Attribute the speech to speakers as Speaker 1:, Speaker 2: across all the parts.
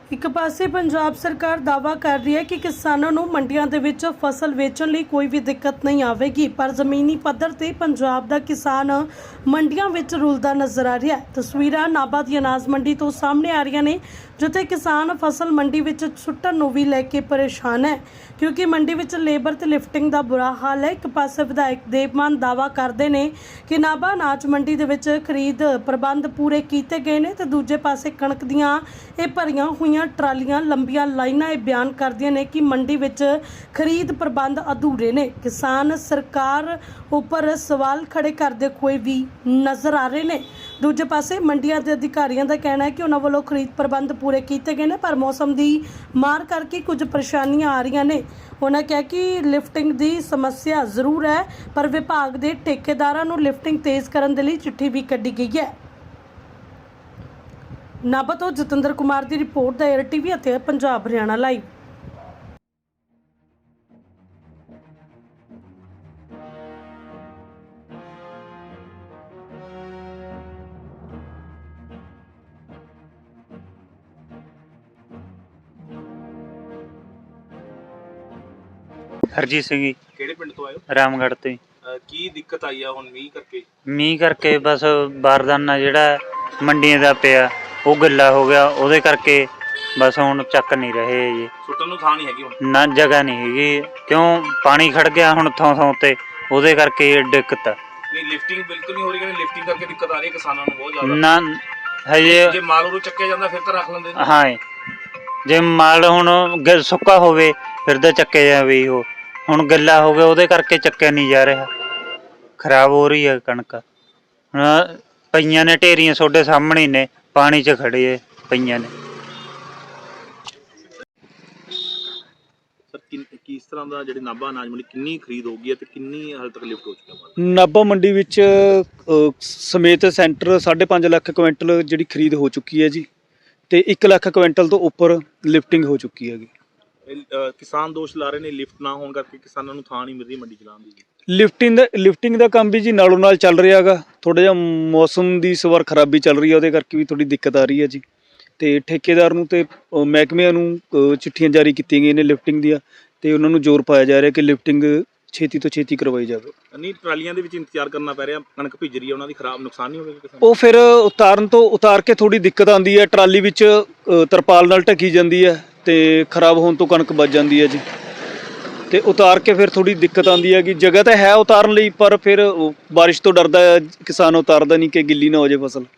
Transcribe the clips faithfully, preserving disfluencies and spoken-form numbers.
Speaker 1: ਇੱਕ ਪਾਸੇ ਪੰਜਾਬ ਸਰਕਾਰ ਦਾਅਵਾ ਕਰ ਰਹੀ ਹੈ ਕਿ ਕਿਸਾਨਾਂ ਨੂੰ ਮੰਡੀਆਂ ਦੇ ਵਿੱਚ ਫਸਲ ਵੇਚਣ ਲਈ ਕੋਈ ਵੀ ਦਿੱਕਤ ਨਹੀਂ ਆਵੇਗੀ, ਪਰ ਜ਼ਮੀਨੀ ਪੱਧਰ ਤੇ ਪੰਜਾਬ ਦਾ ਕਿਸਾਨ ਮੰਡੀਆਂ ਵਿੱਚ ਰੁਲਦਾ ਨਜ਼ਰ ਆ ਰਿਹਾ ਹੈ। ਤਸਵੀਰਾਂ ਨਾਭਾ ਦੀ ਅਨਾਜ ਮੰਡੀ ਤੋਂ ਸਾਹਮਣੇ ਆ ਰਹੀਆਂ ਨੇ, ਜਿੱਥੇ ਕਿਸਾਨ ਫਸਲ ਮੰਡੀ ਵਿੱਚ ਸੁੱਟਣ ਨੂੰ ਵੀ ਲੈ ਕੇ ਪਰੇਸ਼ਾਨ ਹੈ, ਕਿਉਂਕਿ ਮੰਡੀ ਵਿੱਚ ਲੇਬਰ ਤੇ ਲਿਫਟਿੰਗ ਦਾ ਬੁਰਾ ਹਾਲ ਹੈ। ਇੱਕ ਪਾਸੇ ਵਿਧਾਇਕ ਦੇਵਮਾਨ ਦਾਅਵਾ ਕਰਦੇ ਨੇ ਕਿ ਨਾਭਾ ਅਨਾਜ ਮੰਡੀ ਦੇ ਵਿੱਚ ਖਰੀਦ ਪ੍ਰਬੰਧ ਪੂਰੇ ਕੀਤੇ ਗਏ ਨੇ, ਤੇ ਦੂਜੇ ਪਾਸੇ ਕਣਕ ਦੀਆਂ ਇਹ ਭਰੀਆਂ ਹੋਈਆਂ ਟਰਾਲੀਆਂ, ਲੰਬੀਆਂ ਲਾਈਨਾਂ ਇਹ ਬਿਆਨ ਕਰਦੀਆਂ ਨੇ ਕਿ ਮੰਡੀ ਵਿੱਚ ਖਰੀਦ ਪ੍ਰਬੰਧ ਅਧੂਰੇ ਨੇ। ਕਿਸਾਨ ਸਰਕਾਰ ਉੱਪਰ ਸਵਾਲ ਖੜੇ ਕਰਦੇ ਹੋਏ ਵੀ ਨਜ਼ਰ ਆ ਰਹੇ ਨੇ। ਦੂਜੇ ਪਾਸੇ ਮੰਡੀਆਂ ਦੇ ਅਧਿਕਾਰੀਆਂ ਦਾ ਕਹਿਣਾ ਹੈ ਕਿ ਉਹਨਾਂ ਵੱਲੋਂ ਖਰੀਦ ਪ੍ਰਬੰਧ ਪੂਰੇ ਕੀਤੇ ਗਏ ਨੇ, ਪਰ ਮੌਸਮ ਦੀ ਮਾਰ ਕਰਕੇ ਕੁਝ ਪਰੇਸ਼ਾਨੀਆਂ ਆ ਰਹੀਆਂ ਨੇ। ਉਹਨਾਂ ਕਿਹਾ ਕਿ ਲਿਫਟਿੰਗ ਦੀ ਸਮੱਸਿਆ ਜ਼ਰੂਰ ਹੈ, ਪਰ ਵਿਭਾਗ ਦੇ ਠੇਕੇਦਾਰਾਂ ਨੂੰ ਲਿਫਟਿੰਗ ਤੇਜ਼ ਕਰਨ ਦੇ ਲਈ ਚਿੱਠੀ ਵੀ ਕੱਢੀ ਗਈ ਹੈ। ਨਾਭਾ ਤੋਂ ਜਤਿੰਦਰ ਕੁਮਾਰ ਦੀ ਰਿਪੋਰਟ ਦਾ ਏਅਰ ਟੀਵੀ ਅਤੇ ਪੰਜਾਬ ਹਰਿਆਣਾ ਲਾਈਵ।
Speaker 2: हरजीत सिंह जी
Speaker 3: ਕਿਹੜੇ ਪਿੰਡ ਤੋਂ ਆਏ ਹੋ?
Speaker 2: रामगढ़ तो जी।
Speaker 3: ਅਹ ਕੀ ਦਿੱਕਤ ਆਈ ਆ ਹੁਣ ਮੀਂਹ ਕਰਕੇ?
Speaker 2: मीह करके बस बारदाना जिहड़ा मंडियां दा पिया ਉਹ ਗਿੱਲਾ ਹੋ ਗਿਆ, ਉਹਦੇ ਕਰਕੇ ਬਸ ਹੁਣ ਚੱਕ ਨਹੀਂ ਰਹੇ ਜੀ।
Speaker 3: ਸੁੱਟਣ ਨੂੰ ਥਾਂ ਨਹੀਂ ਹੈਗੀ ਹੁਣ?
Speaker 2: ਨਾ ਜਗ੍ਹਾ ਨਹੀਂ ਹੈਗੀ, ਕਿਉਂ ਪਾਣੀ ਖੜ ਗਿਆ ਹੁਣ ਥਾਂ ਥਾਂ ਤੇ, ਉਹਦੇ ਕਰਕੇ ਇਹ ਦਿੱਕਤ ਆ।
Speaker 3: ਨਹੀਂ ਲਿਫਟਿੰਗ ਬਿਲਕੁਲ ਨਹੀਂ ਹੋ ਰਹੀ, ਕਹਿੰਦੇ ਲਿਫਟਿੰਗ ਕਰਕੇ ਦਿੱਕਤ ਆ ਰਹੀ ਹੈ ਕਿਸਾਨਾਂ ਨੂੰ ਬਹੁਤ ਜ਼ਿਆਦਾ।
Speaker 2: ਨਾ ਹਜੇ
Speaker 3: ਜੇ ਮਾਲ ਉਰੋਂ ਚੱਕਿਆ ਜਾਂਦਾ ਫਿਰ ਤਾਂ ਰੱਖ ਲੈਂਦੇ ਨੇ।
Speaker 2: ਹਾਂ, ਜੇ ਮਾਲ ਹੁਣ ਗ- ਸੁੱਕਾ ਹੋਵੇ ਫਿਰ ਤਾਂ ਚੱਕਿਆ ਜਾਵੇ। ਉਹ ਹੁਣ ਗਿੱਲਾ ਹੋ ਗਿਆ, ਉਹਦੇ ਕਰਕੇ ਚੱਕਿਆ ਨਹੀਂ ਜਾ ਰਿਹਾ, ਖਰਾਬ ਹੋ ਰਹੀ ਹੈ ਕਣਕ। ਹੁਣ ਪਈਆਂ ਨੇ ਢੇਰੀਆਂ ਤੁਹਾਡੇ ਸਾਹਮਣੇ ਨੇ, ਪਾਣੀ 'ਚ ਖੜੇ ਪਈਆਂ ਨੇ।
Speaker 3: ਸਰ ਕਿਸ ਤਰ੍ਹਾਂ ਦਾ ਜਿਹੜੇ ਨਾਭਾ ਅਨਾਜ ਮੰਡੀ ਕਿੰਨੀ ਖਰੀਦ ਹੋ ਗਈ ਹੈ ਤੇ ਕਿੰਨੀ ਹਾਲ ਤੱਕ ਲਿਫਟ ਹੋ ਚੁੱਕਾ ਮਾਲ?
Speaker 4: ਨਾਭਾ ਮੰਡੀ ਵਿੱਚ ਅ, ਸਮੇਤ ਸੈਂਟਰ ਸਾਢੇ ਪੰਜ ਲੱਖ ਕੁਇੰਟਲ ਜਿਹੜੀ ਖਰੀਦ ਹੋ ਚੁੱਕੀ ਹੈ ਜੀ, ਤੇ ਇੱਕ ਲੱਖ ਕੁਇੰਟਲ ਤੋਂ ਉੱਪਰ ਲਿਫਟਿੰਗ ਹੋ ਚੁੱਕੀ ਹੈਗੀ।
Speaker 3: ਇਹ, ਅਹ, ਕਿਸਾਨ ਦੋਸ਼ ਲਾ ਰਹੇ ਨੇ ਲਿਫਟ ਨਾ ਹੋਣ ਕਰਕੇ ਕਿਸਾਨਾਂ ਨੂੰ ਥਾਂ ਨਹੀਂ ਮਿਲ ਰਹੀ ਮੰਡੀ ਚਲਾਉਣ ਦੀ।
Speaker 4: ਲਿਫਟਿੰਗ ਦਾ ਲਿਫਟਿੰਗ ਦਾ ਕੰਮ ਵੀ ਜੀ ਨਾਲੋਂ ਨਾਲ ਚੱਲ ਰਿਹਾ ਹੈਗਾ। ਥੋੜਾ ਜਿਹਾ ਮੌਸਮ ਦੀ ਇਸ ਵਾਰ ਖਰਾਬੀ ਚੱਲ ਰਹੀ ਹੈ, ਉਹਦੇ ਕਰਕੇ ਵੀ ਥੋੜੀ ਦਿੱਕਤ ਆ ਰਹੀ ਹੈ ਜੀ। ਤੇ ਠੇਕੇਦਾਰ ਨੂੰ ਤੇ ਅ, ਮਹਿਕਮਿਆਂ ਨੂੰ ਅ, ਚਿੱਠੀਆਂ ਜਾਰੀ ਕੀਤੀਆਂ ਗਈਆਂ ਨੇ ਲਿਫਟਿੰਗ ਦੀਆਂ, ਤੇ ਉਹਨਾਂ ਨੂੰ ਜ਼ੋਰ ਪਾਇਆ ਜਾ ਰਿਹਾ ਕਿ ਲਿਫਟਿੰਗ ਛੇਤੀ ਤੋਂ ਛੇਤੀ ਕਰਵਾਈ ਜਾਵੇ।
Speaker 3: ਨਹੀਂ ਟਰਾਲੀਆਂ ਦੇ ਵਿੱਚ ਇੰਤਜ਼ਾਰ ਕਰਨਾ ਪੈ ਰਿਹਾ, ਕਣਕ ਭਿੱਜ ਰਹੀ ਹੈ, ਉਹਨਾਂ ਦੀ ਖਰਾਬ ਨੁਕਸਾਨ ਨਹੀਂ ਹੋਵੇਗਾ ਕਿਸਾਨ?
Speaker 4: ਉਹ ਫਿਰ ਉਤਾਰਨ ਤੋਂ ਉਤਾਰ ਕੇ ਥੋੜੀ ਦਿੱਕਤ ਆਉਂਦੀ ਹੈ, ਟਰਾਲੀ ਵਿੱਚ ਅ, ਤਰਪਾਲ ਨਾਲ ਢੱਕੀ ਜਾਂਦੀ ਹੈ ਤੇ ਖਰਾਬ ਹੋਣ ਤੋਂ ਕਣਕ ਬਚ ਜਾਂਦੀ ਹੈ ਜੀ। ਤੇ ਉਤਾਰ ਕੇ ਫਿਰ ਥੋੜੀ ਦਿੱਕਤ ਆਉਂਦੀ ਹੈ ਕਿ ਜਗ੍ਹਾ ਤਾਂ ਹੈ ਉਤਾਰਨ ਲਈ, ਪਰ ਫਿਰ ਉਹ ਬਾਰਿਸ਼ ਤੋਂ ਡਰਦਾ ਹੈ ਕਿਸਾਨ, ਉਤਾਰਦਾ ਨਹੀਂ ਕਿ ਗਿੱਲੀ ਨਾ ਹੋ ਜਾਏ ਫਸਲ।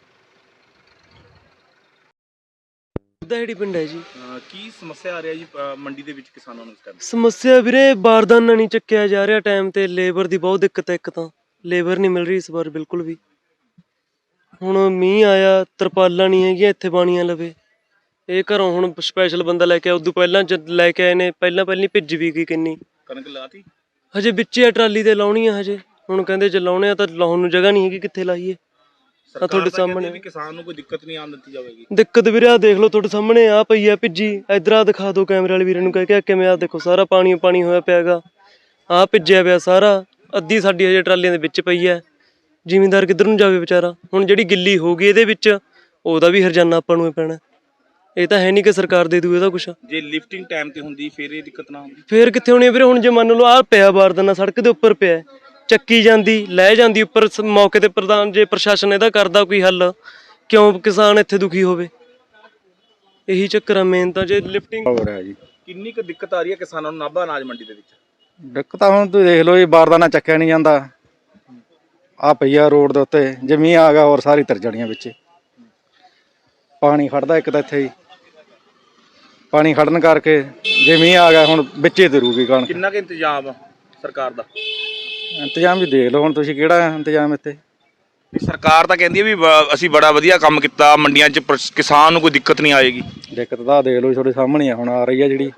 Speaker 5: ਦਾਹੜੀ ਪਿੰਡ ਹੈ ਜੀ।
Speaker 3: ਅਹ, ਕੀ ਸਮੱਸਿਆ ਆ ਰਹੀ ਹੈ ਜੀ ਅਹ, ਮੰਡੀ ਦੇ ਵਿੱਚ ਕਿਸਾਨਾਂ ਨੂੰ ਇਸ ਟਾਈਮ?
Speaker 5: ਸਮੱਸਿਆ ਵੀਰੇ ਬਾਰਦਾਨਾ ਨਹੀਂ ਚੱਕਿਆ ਜਾ ਰਿਹਾ ਟਾਈਮ ਤੇ, ਲੇਬਰ ਦੀ ਬਹੁਤ ਦਿੱਕਤ ਹੈ। ਇੱਕ ਤਾਂ ਲੇਬਰ ਨਹੀਂ ਮਿਲ ਰਹੀ ਇਸ ਵਾਰ ਬਿਲਕੁਲ ਵੀ। ਹੁਣ ਮੀਂਹ ਆਇਆ, ਤਰਪਾਲਾਂ ਨਹੀਂ ਹੈਗੀਆਂ ਇੱਥੇ ਬਾਣੀਆਂ ਲਵੇ। ਇਹ ਘਰੋਂ ਹੁਣ ਸਪੈਸ਼ਲ ਬੰਦਾ ਲੈ ਕੇ ਆਇਆ, ਉਦੋਂ ਪਹਿਲਾਂ ਜਦ ਲੈ ਕੇ ਆਏ ਨੇ ਪਹਿਲਾਂ ਪਹਿਲਾਂ ਭਿੱਜ ਵੀ ਗਈ ਕਿੰਨੀ।
Speaker 3: ਕਣਕ ਲਾਤੀ
Speaker 5: ਹਜੇ ਵਿੱਚੇ ਆ ਟਰਾਲੀ ਤੇ ਲਾਉਣੀ ਆ ਹਜੇ। ਹੁਣ ਕਹਿੰਦੇ ਜੇ ਲਾਉਣੇ ਆ ਤਾਂ ਲਾਉਣ ਨੂੰ ਜਗ੍ਹਾ ਨਹੀਂ ਹੈਗੀ, ਕਿੱਥੇ ਲਾਈਏ? ਆ ਤੁਹਾਡੇ ਸਾਹਮਣੇ
Speaker 3: ਵੀ ਕਿਸਾਨ ਨੂੰ ਕੋਈ ਦਿੱਕਤ ਨਹੀਂ ਆਉਣ ਦਿੱਤੀ ਜਾਵੇਗੀ।
Speaker 5: ਦਿੱਕਤ ਵੀਰੇ ਆ ਦੇਖ ਲਓ ਤੁਹਾਡੇ ਸਾਹਮਣੇ ਆ ਪਈ ਆ ਭਿੱਜੀ। ਇਧਰ ਆ ਦਿਖਾ ਦਿਓ ਕੈਮਰੇ ਵਾਲੇ ਵੀਰੇ ਨੂੰ, ਕਹਿ ਕੇ ਕਿਵੇਂ ਆ ਦੇਖੋ ਸਾਰਾ ਪਾਣੀ ਪਾਣੀ ਹੋਇਆ ਪਿਆਗਾ, ਆ ਭਿੱਜਿਆ ਪਿਆ ਸਾਰਾ। ਅੱਧੀ ਸਾਡੀ ਹਜੇ ਟਰਾਲੀਆਂ ਦੇ ਵਿੱਚ ਪਈ ਹੈ। ਜ਼ਿਮੀਂਦਾਰ ਕਿੱਧਰ ਨੂੰ ਜਾਵੇ ਵਿਚਾਰਾ? ਹੁਣ ਜਿਹੜੀ ਗਿੱਲੀ ਹੋ ਗਈ ਇਹਦੇ ਵਿੱਚ, ਉਹਦਾ ਵੀ ਹਰਜਾਨਾ ਆਪਾਂ ਨੂੰ ਪੈਣਾ। ਇਹ ਤਾਂ ਹੈ ਨਹੀਂ ਕਿ ਸਰਕਾਰ ਦੇ ਦੂ ਇਹਦਾ ਕੁਛ।
Speaker 3: ਜੇ ਲਿਫਟਿੰਗ ਟਾਈਮ ਤੇ ਹੁੰਦੀ ਫਿਰ ਇਹ ਦਿੱਕਤ ਨਾ ਹੁੰਦੀ?
Speaker 5: ਫੇਰ ਕਿੱਥੇ ਹੋਣੀ ਵੀਰੇ? ਹੁਣ ਜੇ ਮੰਨ ਲਓ ਆਹ ਪਿਆ ਬਾਰਦਾਨਾ ਸੜਕ ਦੇ ਉੱਪਰ ਪਿਆ, ਚੱਕੀ ਜਾਂਦੀ ਲੈ ਜਾਂਦੀ ਉੱਪਰ, ਮੌਕੇ ਤੇ ਪ੍ਰਧਾਨ ਜੇ ਪ੍ਰਸ਼ਾਸਨ ਇਹਦਾ ਕਰਦਾ ਕੋਈ ਹੱਲ, ਕਿਉਂ ਕਿਸਾਨ ਇੱਥੇ ਦੁਖੀ ਹੋਵੇ? ਇਹੀ ਚੱਕਰ ਆ ਮੇਨ ਤਾਂ। ਜੇ ਲਿਫਟਿੰਗ
Speaker 6: ਹੋ ਰਿਹਾ ਜੀ,
Speaker 3: ਕਿੰਨੀ ਕੁ ਦਿੱਕਤ ਆ ਰਹੀ ਹੈ ਕਿਸਾਨਾਂ ਨੂੰ ਨਾਭਾ ਅਨਾਜ ਮੰਡੀ ਦੇ ਵਿੱਚ?
Speaker 6: ਦਿੱਕਤ ਹੁਣ ਤੁਸੀਂ ਦੇਖ ਲਓ ਜੀ, ਬਾਰਦਾਨਾ ਚੱਕਿਆ ਨਹੀਂ ਜਾਂਦਾ, ਆ ਪਈਆ ਰੋਡ ਦੇ ਉੱਤੇ। ਜੇ ਮੀਂਹ ਆ ਗਿਆ ਹੋਰ ਸਾਰੀ ਤਰ ਜਾਣੀਆਂ ਵਿੱਚ। ਪਾਣੀ ਖੜਦਾ ਇੱਕ ਤਾਂ ਇੱਥੇ ਹੀ, ਪਾਣੀ ਖੜਨ ਕਰਕੇ ਜੇ ਮੀਂਹ ਆ ਗਿਆ ਹੁਣ ਵਿੱਚੇ ਤਰੂਗੀ ਕਣਕ।
Speaker 3: ਕਿੰਨਾ ਕੁ ਇੰਤਜ਼ਾਮ ਆ ਸਰਕਾਰ ਦਾ?
Speaker 6: ਇੰਤਜ਼ਾਮ ਵੀ ਦੇਖ ਲਓ ਹੁਣ ਤੁਸੀਂ, ਕਿਹੜਾ ਇੰਤਜ਼ਾਮ ਇੱਥੇ?
Speaker 3: ਸਰਕਾਰ ਤਾਂ ਕਹਿੰਦੀ ਹੈ ਵੀ ਬ- ਅਸੀਂ ਬੜਾ ਵਧੀਆ ਕੰਮ ਕੀਤਾ ਮੰਡੀਆਂ 'ਚ, ਪਰ ਕਿਸਾਨ ਨੂੰ ਕੋਈ ਦਿੱਕਤ ਨਹੀਂ ਆਏਗੀ।
Speaker 6: ਦਿੱਕਤ ਤਾਂ ਦੇਖ ਲਓ ਤੁਹਾਡੇ ਸਾਹਮਣੇ ਆ ਹੁਣ ਆ ਰਹੀ ਆ ਜਿਹੜੀ।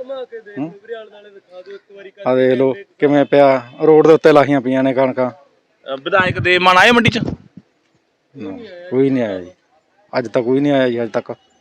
Speaker 6: ਆ ਦੇਖ ਲਓ ਕਿਵੇਂ ਪਿਆ, ਰੋਡ ਦੇ ਉੱਤੇ ਲਾਹੀਆਂ ਪਈਆਂ ਨੇ ਕਣਕਾਂ।
Speaker 3: ਅ, ਵਿਧਾਇਕ ਦੇਵਮਾਨ ਆਏ ਮੰਡੀ 'ਚ?
Speaker 6: ਕੋਈ ਨਹੀਂ ਆਇਆ ਜੀ, ਅੱਜ ਤੱਕ ਕੋਈ ਨਹੀਂ ਆਇਆ ਜੀ ਅੱਜ ਤੱਕ।